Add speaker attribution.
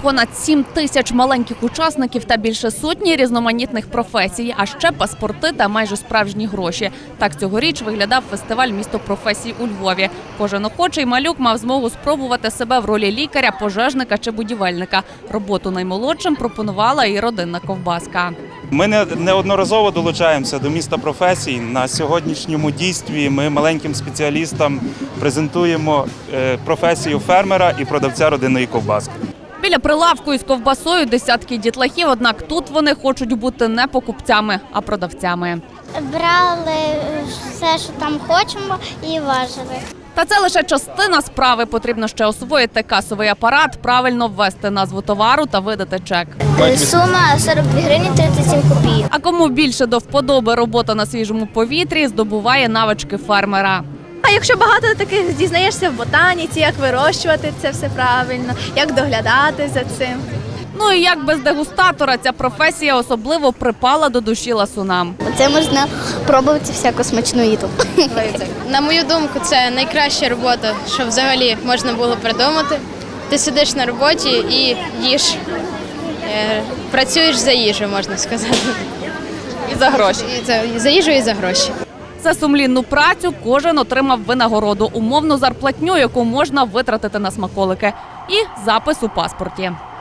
Speaker 1: понад 7 тисяч маленьких учасників та більше сотні різноманітних професій, а ще паспорти та майже справжні гроші. Так цьогоріч виглядав фестиваль «Місто професій» у Львові. Кожен охочий малюк мав змогу спробувати себе в ролі лікаря, пожежника чи будівельника. Роботу наймолодшим пропонувала і родинна ковбаска.
Speaker 2: Ми неодноразово долучаємося до «Міста професій». На сьогоднішньому дійстві ми маленьким спеціалістам презентуємо професію фермера і продавця родинної ковбаски.
Speaker 1: Біля прилавку із ковбасою десятки дітлахів, однак тут вони хочуть бути не покупцями, а продавцями.
Speaker 3: Брали все, що там хочемо, і важили.
Speaker 1: Та це лише частина справи. Потрібно ще освоїти касовий апарат, правильно ввести назву товару та видати чек.
Speaker 3: Сума 42 гривні 37 копійок.
Speaker 1: А кому більше до вподоби робота на свіжому повітрі, здобуває навички фермера.
Speaker 4: А якщо багато таких дізнаєшся в ботаніці, як вирощувати це все правильно, як доглядати за цим.
Speaker 1: Ну і як без дегустатора ця професія особливо припала до душі ласунам.
Speaker 3: Це можна пробувати всяку смачну їду.
Speaker 5: На мою думку, це найкраща робота, що взагалі можна було придумати. Ти сидиш на роботі і їш. Працюєш за їжу, можна сказати.
Speaker 1: І за гроші.
Speaker 5: За їжу і за гроші.
Speaker 1: За сумлінну працю кожен отримав винагороду, умовну зарплатню, яку можна витратити на смаколики, і запис у паспорті.